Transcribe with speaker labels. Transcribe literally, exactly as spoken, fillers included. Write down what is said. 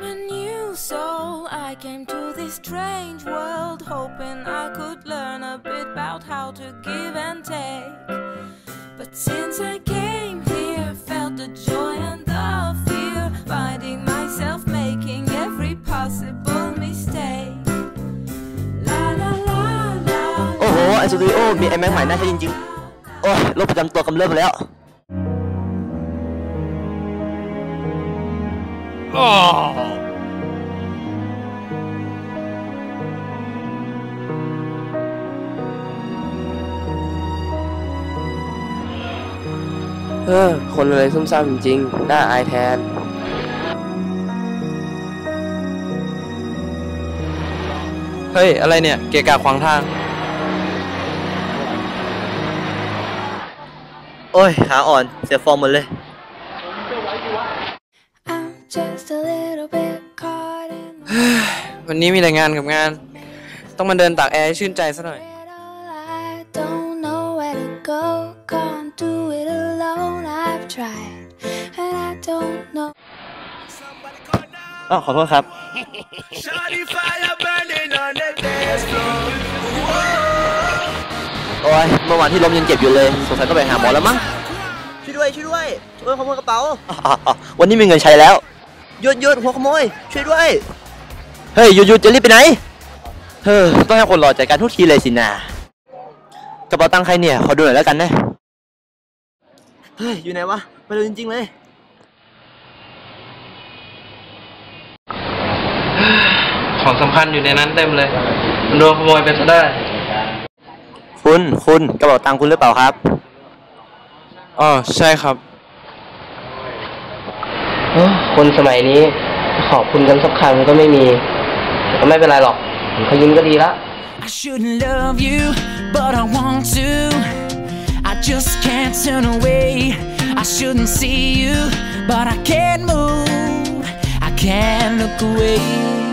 Speaker 1: a new soul. I came to this strange world hoping I could learn a bit about how to give and take. But since I came here, felt the joy and the fear, finding myself making every possible mistake. La la la la.
Speaker 2: โอ้โหไอสตูดิโอมีไอแม็กใหม่น่าใช้จริงๆโอ้ยโรคประจำตัวกำเริบไปแล้วเออคนอะไรซุ่มซ่ามจริงๆน่าอายแทนเฮ้ยอะไรเนี่ยเกะกะขวางทางโอ้ยขาอ่อนเสียฟอร์มหมดเลยวันนี้มีแต่งานกับงานต้องมาเดินตากแอร์ให้ชื่นใจซะหน่อยอ๋อขอโทษครับโอ้ยเมื่อวานที่ล้มยังเจ็บอยู่เลยสงสัยต้องไปหาหมอแล้วมั้งช่วยด้วยช่วยด้วยช่วยขโมยกระเป๋าวันนี้มีเงินใช้แล้วหยุดหยุดหัวขโมยช่วยด้วยเฮ้ยหยุดหยุดจะรีบไปไหนเฮ้ยต้องให้คนรอจัดการทุกทีเลยสินากระเป๋าตังค์ใครเนี่ยขอดูหน่อยแล้วกันนะเฮ้ยอยู่ไหนวะไปดูจริงๆเลยของสำคัญอยู่ในนั้นเต็มเลยมันโดนขโมยไปซะได้คุณคุณกระเป๋าตังค์คุณหรือเปล่าครับอ๋อใช่ครับคนสมัยนี้ขอบคุณกันสักคำก็ไม่มีก็ไม่เป็นไรหรอกเขายิ้มก็ดีละ
Speaker 3: I shouldn't love you but I want to I just can't turn away I shouldn't see you but I can't move I can't look away